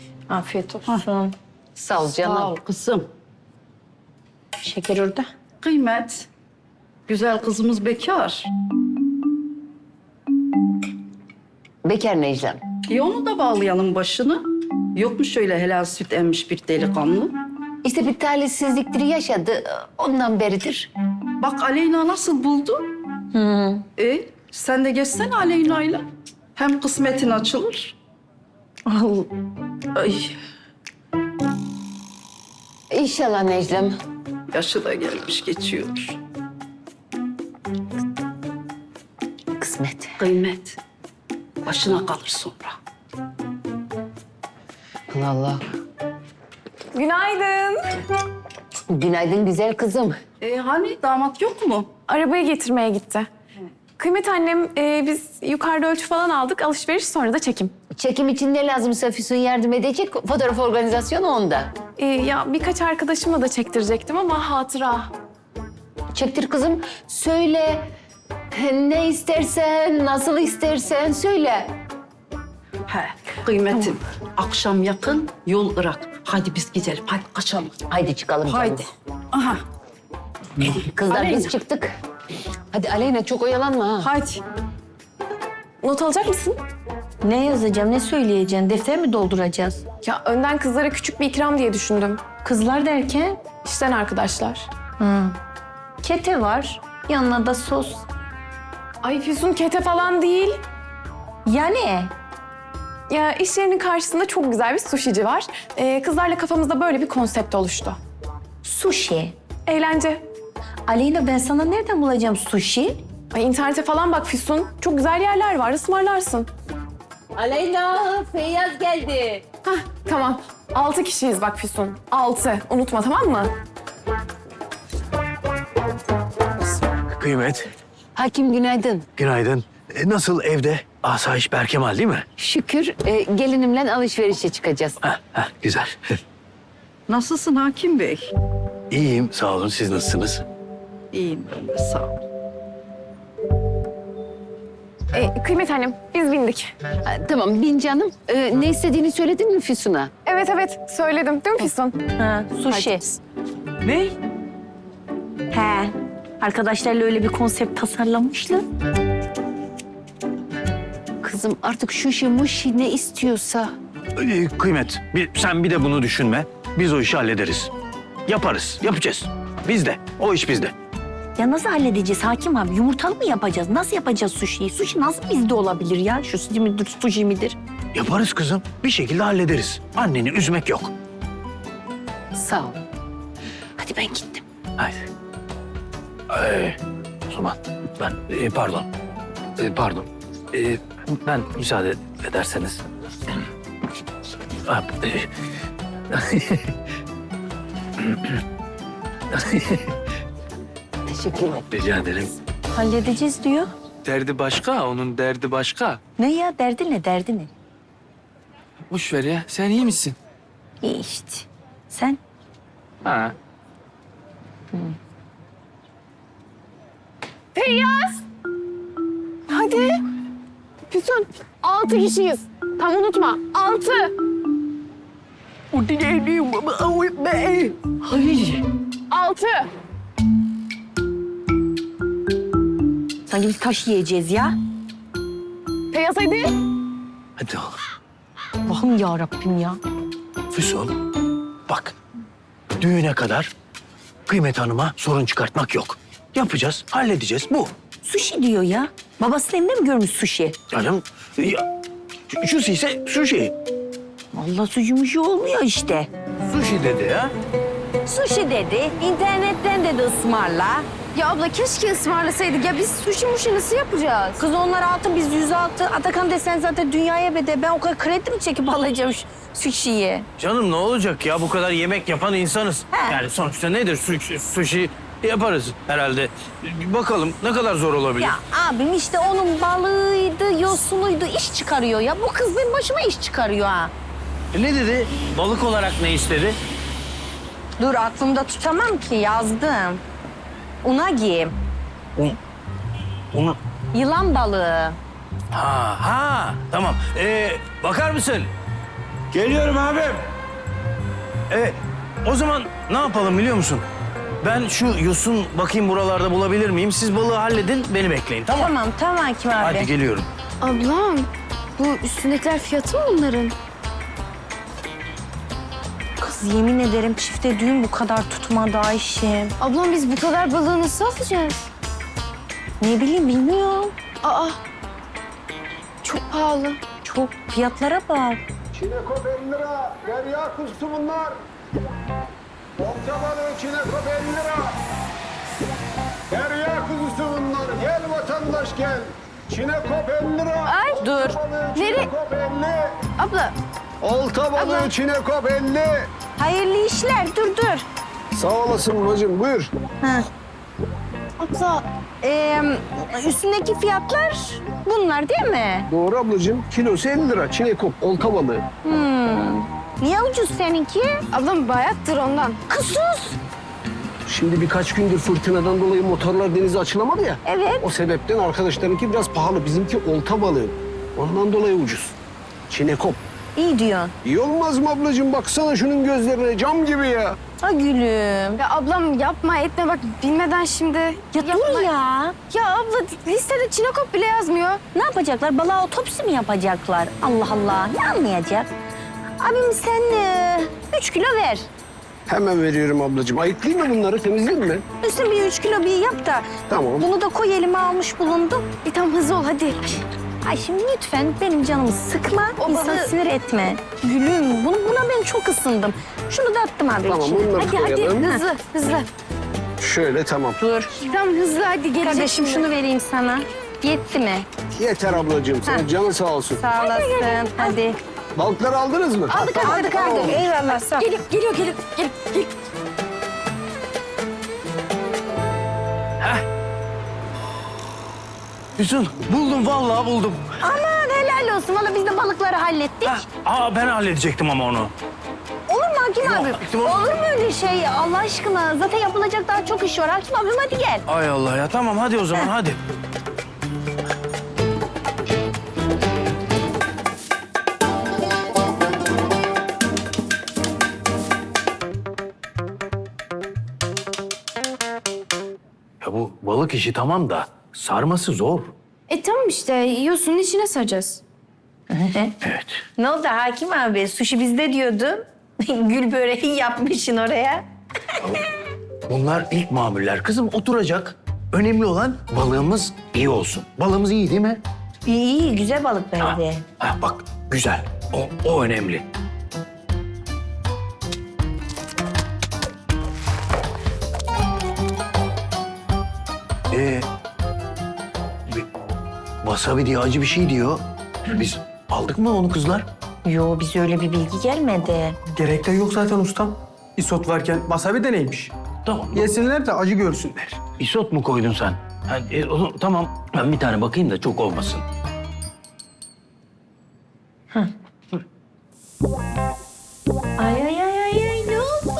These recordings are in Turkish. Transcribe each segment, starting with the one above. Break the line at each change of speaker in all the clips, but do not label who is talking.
Afiyet olsun.
Sağ ol canım.
Sağ ol kızım.
Şeker orada.
Kıymet. Güzel kızımız bekar.
Bekar Necla'm.
Onu da bağlayalım başını. Yok mu şöyle helal süt emmiş bir delikanlı?
İşte bir talihsizliktir yaşadı. Ondan beridir.
Bak Aleyna nasıl buldu? Sen de geçsene Aleyna'yla. Hem kısmetin açılır.
Al.
Ay,
İnşallah Necla'm.
yaşı da gelmiş geçiyor.
Kısmet.
Kıymet. Başına kalır sonra.
Allah Allah.
Günaydın.
Günaydın güzel kızım.
Hani damat yok mu?
Arabayı getirmeye gitti. Kıymet annem, biz yukarıda ölçü falan aldık. Alışveriş sonra da çekim.
Çekim için ne lazımsa Füsun yardım edecek. Fotoğraf organizasyonu onda.
Ya birkaç arkadaşıma da çektirecektim ama hatıra.
Çektir kızım. Söyle. Ne istersen, nasıl istersen söyle.
He, kıymetim. Akşam yakın yol Irak. Hadi biz gidelim. Hadi kaçalım.
Haydi çıkalım canım.
Haydi. Aha.
Kızlar
Aleyna.
biz çıktık. Hadi Aleyna çok oyalanma ha.
Hadi.
Not alacak mısın?
Ne yazacağım, ne söyleyeceksin? Defter mi dolduracağız?
Ya önden kızlara küçük bir ikram diye düşündüm.
Kızlar derken?
İşten arkadaşlar.
Kete var, yanına da sos.
Ay Füsun kete falan değil.
Yani
Ya iş yerinin karşısında çok güzel bir sushici var. Kızlarla kafamızda böyle bir konsept oluştu.
sushi.
Eğlence.
Aleyna ben sana nereden bulacağım sushi?
Ay internete falan bak Füsun. Çok güzel yerler var, ısmarlarsın.
Aleyna, Feyyaz geldi.
Hah, tamam. 6 kişiyiz bak Füsun. 6. Unutma tamam mı?
Kıymet,
Hakim günaydın.
günaydın. Nasıl evde? Asayiş Berkemal değil mi?
Şükür gelinimle alışverişe çıkacağız.
Güzel.
Nasılsın Hakim Bey?
İyiyim, sağ olun. Siz nasılsınız?
İyiyim ben de sağ ol.
Kıymet annem, biz bindik.
Ha, tamam bin canım. Ne istediğini söyledin mi Füsun'a?
Evet evet, söyledim değil mi Füsun?
Ha, sushi.
Ne?
He. Arkadaşlarla öyle bir konsept tasarlamışlar.
Kızım artık şuşi muşi ne istiyorsa.
Kıymet, sen bir de bunu düşünme. Biz o işi hallederiz. Yaparız, yapacağız. Bizde, o iş bizde.
Ya nasıl halledeceğiz Hakim abi? Yumurtalı mı yapacağız? Nasıl yapacağız sushi'yi? Sushi nasıl bizde olabilir ya? Şu sushi midir, sushi midir?
Yaparız kızım. Bir şekilde hallederiz. Anneni üzmek yok.
Sağ ol. Hadi ben gittim.
Haydi. O zaman ben, pardon. Pardon. Ben müsaade ederseniz.
Teşekkür ederim.
Rica ederim.
Halledeceğiz diyor.
Derdi başka, onun derdi başka.
Ne ya? Derdi ne? Derdi ne?
Boş ver ya, sen iyi misin?
İyi işte. Sen?
Ha.
Feyyaz! Hadi. Füsun, 6 kişiyiz. Tam unutma, 6.
Ay.
6.
Sanki biz taş yiyeceğiz ya.
Feyyaz hadi.
Hadi oğlum.
Allah'ım ya Rabbim ya.
Füsun, bak. Düğüne kadar Kıymet Hanım'a sorun çıkartmak yok. Yapacağız, halledeceğiz. Bu.
Sushi diyor ya. Babasının elinde mi görmüş sushi?
Canım, ya, şusi ise sushi.
Allah sucumuş olmuyor işte.
Sushi dedi ya.
Sushi dedi, internetten dedi ısmarla.
Ya abla keşke ısmarlasaydık. Ya biz sushi muşi nasıl yapacağız?
Kız onlar altı, biz 106. Atakan desen zaten dünyaya bedel. Ben o kadar kredi mi çekip alacağım şu sushi'yi?
Canım ne olacak ya? Bu kadar yemek yapan insanız.
He.
Yani sonuçta nedir? Sushi yaparız herhalde. Bir bakalım ne kadar zor olabilir.
Ya abim işte onun balığıydı, yosunuydu, iş çıkarıyor ya. Bu kız benim başıma iş çıkarıyor ha.
Ne dedi? Balık olarak ne istedi?
Dur aklımda tutamam ki, yazdım. Unagi,
Onu...
yılan balığı.
Ha, tamam. Bakar mısın? Geliyorum abim. O zaman ne yapalım biliyor musun? Ben şu yosun bakayım buralarda bulabilir miyim? Siz balığı halledin, beni bekleyin, tamam mı?
Tamam Hakim abi.
Hadi geliyorum.
Ablam bu üstündekiler fiyatı mı bunların?
Kız yemin ederim çifte düğün bu kadar tutmadı Ayşem.
Ablam biz bu kadar balığı nasıl alacağız?
Ne bileyim bilmiyorum.
Aa çok pahalı.
Çok fiyatlara bak.
Çinekop 50 lira. Derya kuzusu bunlar. Olta balığı çinekop 50 lira. Derya kuzusu bunlar. Gel vatandaş gel. Çinekop 50 lira.
Ay dur.
Balığı
Nereye?
çinekop 50.
Abla
Olta balığı
Abla.
çinekop 50.
Hayırlı işler dur.
Sağ olasın bacım buyur.
abla
Üstündeki fiyatlar bunlar değil mi?
Doğru ablacığım. Kilosu 50 lira. Çinekop olta balığı.
Niye ucuz seninki?
ablam bayattır ondan.
Kız sus.
Şimdi birkaç gündür fırtınadan dolayı motorlar denize açılamadı ya.
Evet.
O sebepten arkadaşlarınki biraz pahalı. Bizimki olta balığı. Ondan dolayı ucuz. Çinekop.
İyi diyorsun.
İyi olmaz mı ablacığım? Baksana şunun gözlerine cam gibi ya.
Ha gülüm.
Ya ablam yapma etme bak bilmeden şimdi.
Ya dur ya.
Ya abla listede çinekop bile yazmıyor.
Ne yapacaklar? Balığa otopsi mi yapacaklar? Allah Allah. Ne anlayacak? Abim sen 3 kilo ver.
Hemen veriyorum ablacığım. Ayıklayayım mı bunları? Temizleyeyim mi?
Üstüne bir 3 kilo bir yap da.
Tamam.
Bunu da koy elime almış bulundum.
Tam hızlı ol hadi.
Ay şimdi lütfen benim canımı sıkma,
O
insan
balığı-
sinir etme. Gülüm, buna ben çok ısındım. Şunu da attım abi
Tamam,
içine.
bunları
Hadi
koyalım.
hızlı hızlı.
Şöyle tamam.
Dur.
Tam hızlı hadi gelecek.
Kardeşim
şimdi.
şunu vereyim sana. Yetti mi?
Yeter ablacığım. Senin canın sağ olsun.
Sağ olasın. Hadi.
Balıkları aldınız mı?
Aldık. Eyvallah sağ ol.
Geliyor.
Füsun, buldum vallahi buldum.
Aman helal olsun. Valla biz de balıkları hallettik.
Ben halledecektim ama onu.
Olur mu Hakim abi?
tamam.
Olur mu öyle şey Allah aşkına? Zaten yapılacak daha çok iş var. Hakim abim hadi gel.
Ay Allah ya, tamam hadi o zaman hadi. Ya bu balık işi tamam da sarması zor.
Tamam işte yosunun içine saracağız.
Evet.
Ne oldu Hakim abi? Sushi bizde diyordun. Gül böreği yapmışsın oraya.
Bunlar ilk mamuller. Kızım oturacak. Önemli olan balığımız iyi olsun. Balığımız iyi değil mi?
İyi, güzel balık bence.
Bak güzel. O önemli. Wasabi diye acı bir şey diyor. Biz aldık mı onu kızlar?
Yo, bize öyle bir bilgi gelmedi.
Gerek de yok zaten ustam. Isot varken wasabi de neymiş?
Tamam.
Yesinler de acı görsünler.
Isot mu koydun sen? Tamam. Ben bir tane bakayım da çok olmasın.
Ay ne oldu?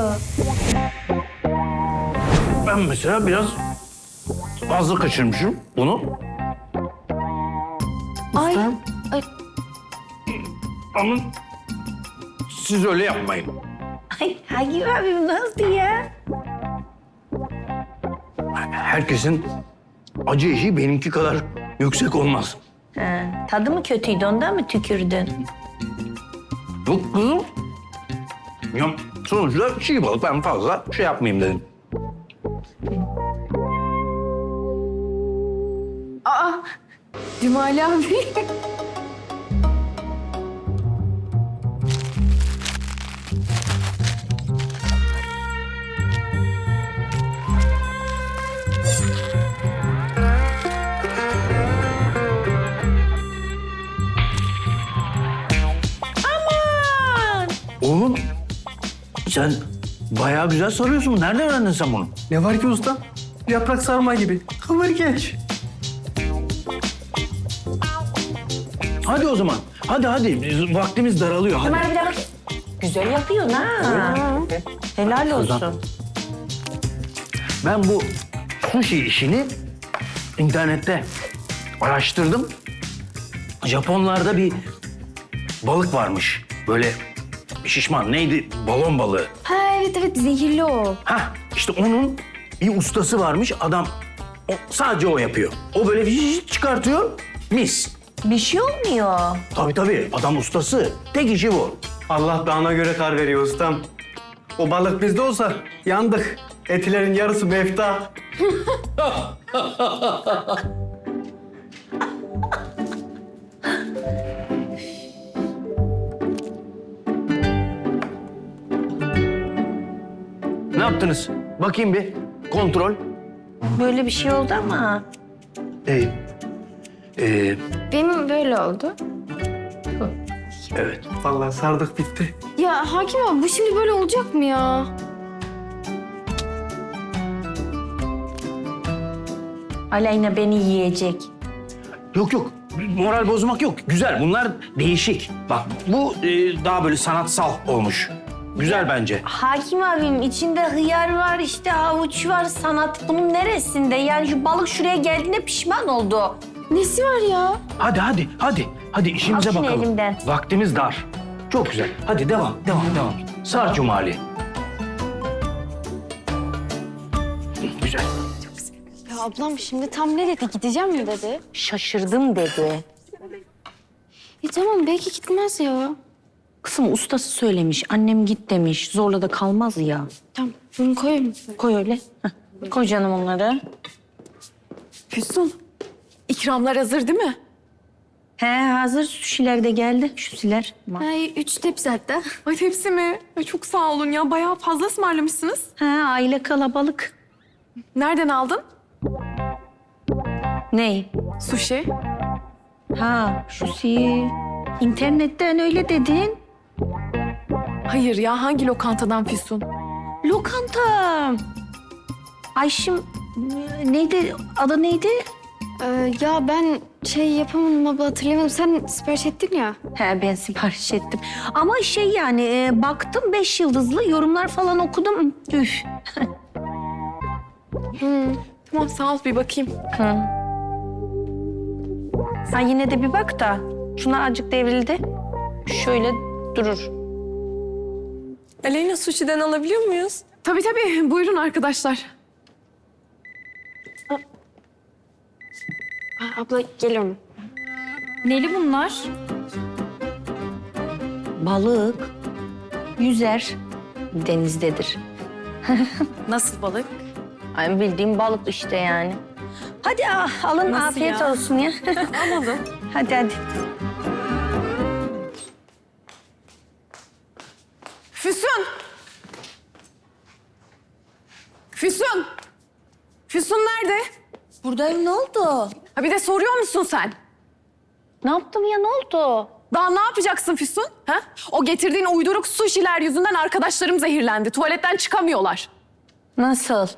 Ben mesela biraz fazla kaçırmışım bunu.
Ay.
Ama siz öyle yapmayın.
Ay Hakim abim nasıl ya?
Herkesin acı eşiği benimki kadar yüksek olmaz.
Ha, tadı mı kötüydü ondan mı tükürdün?
Yok kızım. Ya sonuçta çiğ balık, ben fazla şey yapmayayım dedim.
Cumali abi.
Oğlum sen bayağı güzel sarıyorsun. Nereden öğrendin sen bunu?
Ne var ki ustam? Yaprak sarma gibi. Kıvır geç.
Hadi o zaman. Hadi. Vaktimiz daralıyor. Hadi.
Ömer bir bak. Güzel yapıyorsun ha. Helal olsun.
Ben bu sushi işini internette araştırdım. Japonlarda bir balık varmış. Böyle şişman neydi? Balon balığı.
Ha evet zehirli o.
Hah işte onun bir ustası varmış. Adam sadece o yapıyor. O böyle çıkartıyor. Mis.
Bir şey olmuyor.
Tabii adam ustası. Tek işi bu.
Allah dağına göre kar veriyor ustam. O balık bizde olsa yandık. Etilerin yarısı mefta.
Ne yaptınız? Bakayım bir. Kontrol.
Böyle bir şey oldu ama.
Benim böyle oldu.
Evet.
Vallahi sardık bitti.
Ya hakim abi bu şimdi böyle olacak mı ya?
Aleyna beni yiyecek.
Yok. Moral bozmak yok. Güzel. Bunlar değişik. Bak bu daha böyle sanatsal olmuş. Güzel bence.
Hakim abim içinde hıyar var, işte havuç var, sanat bunun neresinde? Yani şu balık şuraya geldiğinde pişman oldu.
Nesi var ya?
Hadi işimize
Al şunu
bakalım.
elimden.
Vaktimiz dar. Çok güzel. Hadi devam. Sar Cumali. Güzel.
Ya ablam şimdi tam ne dedi? Gideceğim mi dedi?
Şaşırdım dedi.
Tamam belki gitmez ya.
Kızım ustası söylemiş, annem git demiş. Zorla da kalmaz ya.
Tamam bunu koyayım.
Koy öyle. Heh. Koy canım onları.
Füsun, ikramlar hazır değil mi?
He hazır suşiler de geldi. Şusiler.
Ay 3 tepsi hatta.
Ay hepsi mi? Ay, çok sağ olun ya. Bayağı fazla ısmarlamışsınız.
He aile kalabalık.
Nereden aldın?
Ney?
Sushi.
Ha şusi. İnternetten öyle dedin.
Hayır ya, hangi lokantadan Füsun?
Lokanta. Ayşim neydi? Adı neydi?
Ya ben şey yapamadım abla hatırlayamadım. Sen sipariş ettin ya.
He ben sipariş ettim. Ama şey yani baktım 5 yıldızlı yorumlar falan okudum. Üf.
Tamam sağ ol, bir bakayım.
Sen yine de bir bak da. Şuna azıcık devrildi. Şöyle durur.
Aleyna, sushi'den alabiliyor muyuz? Tabii. Buyurun arkadaşlar.
Abla geliyorum.
Neli bunlar? Balık. Yüzer. Denizdedir.
Nasıl balık?
Ay bildiğim balık işte yani. Hadi alın
Nasıl
afiyet
ya?
olsun ya.
Alalım.
hadi.
Füsun! Füsun nerede?
Buradayım ne oldu?
Ha bir de soruyor musun sen?
Ne yaptım ya ne oldu?
Daha ne yapacaksın Füsun? Ha? O getirdiğin uyduruk sushi'ler yüzünden arkadaşlarım zehirlendi. Tuvaletten çıkamıyorlar.
Nasıl?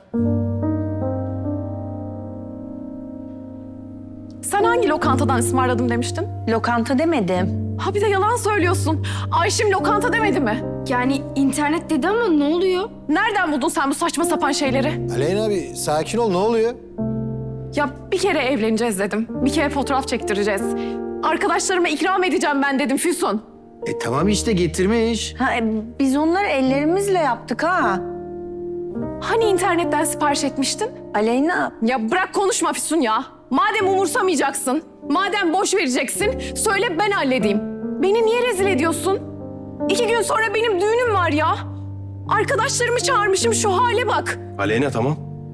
Sen hangi lokantadan ısmarladım demiştin?
Lokanta demedim.
Ha bir de yalan söylüyorsun. Ayşim lokanta demedi mi?
Yani internet dedi ama ne oluyor?
Nereden buldun sen bu saçma sapan şeyleri?
Aleyna abi sakin ol ne oluyor?
Ya bir kere evleneceğiz dedim. Bir kere fotoğraf çektireceğiz. Arkadaşlarıma ikram edeceğim ben dedim Füsun.
Tamam işte getirmiş.
Ha, biz onları ellerimizle yaptık ha.
Hani internetten sipariş etmiştin?
Aleyna.
Ya bırak konuşma Füsun ya. Madem umursamayacaksın, madem boş vereceksin, söyle ben halledeyim. Beni niye rezil ediyorsun? 2 gün sonra benim düğünüm var ya. Arkadaşlarımı çağırmışım, şu hale bak.
Aleyna tamam.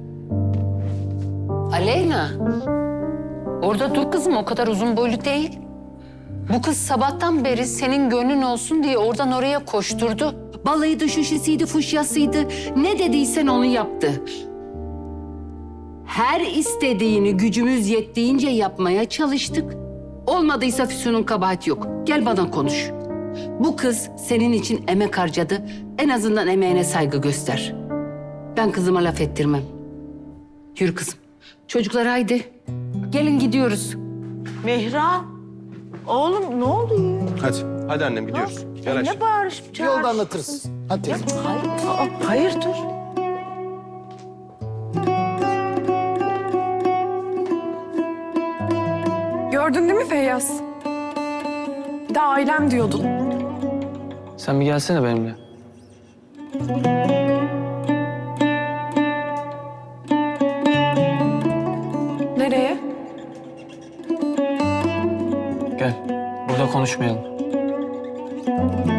Aleyna. Orada dur kızım, o kadar uzun boylu değil. Bu kız sabahtan beri senin gönlün olsun diye oradan oraya koşturdu. Balıydı, şuşisiydi, fuşyasıydı. Ne dediysen onu yaptı. Her istediğini gücümüz yettiğince yapmaya çalıştık. Olmadıysa Füsun'un kabahati yok. Gel bana konuş. Bu kız senin için emek harcadı. En azından emeğine saygı göster. Ben kızıma laf ettirmem. Yürü kızım. Çocuklar haydi. Gelin gidiyoruz.
Mehran. Oğlum ne oluyor?
Hadi annem gidiyoruz. Gel
Ne bağırışıp
Yolda anlatırız. Hadi teyze.
Hayırdır?
Gördün değil mi Feyyaz? Bir de ailem diyordun.
Sen bir gelsene benimle.
Nereye?
Gel. Burada konuşmayalım.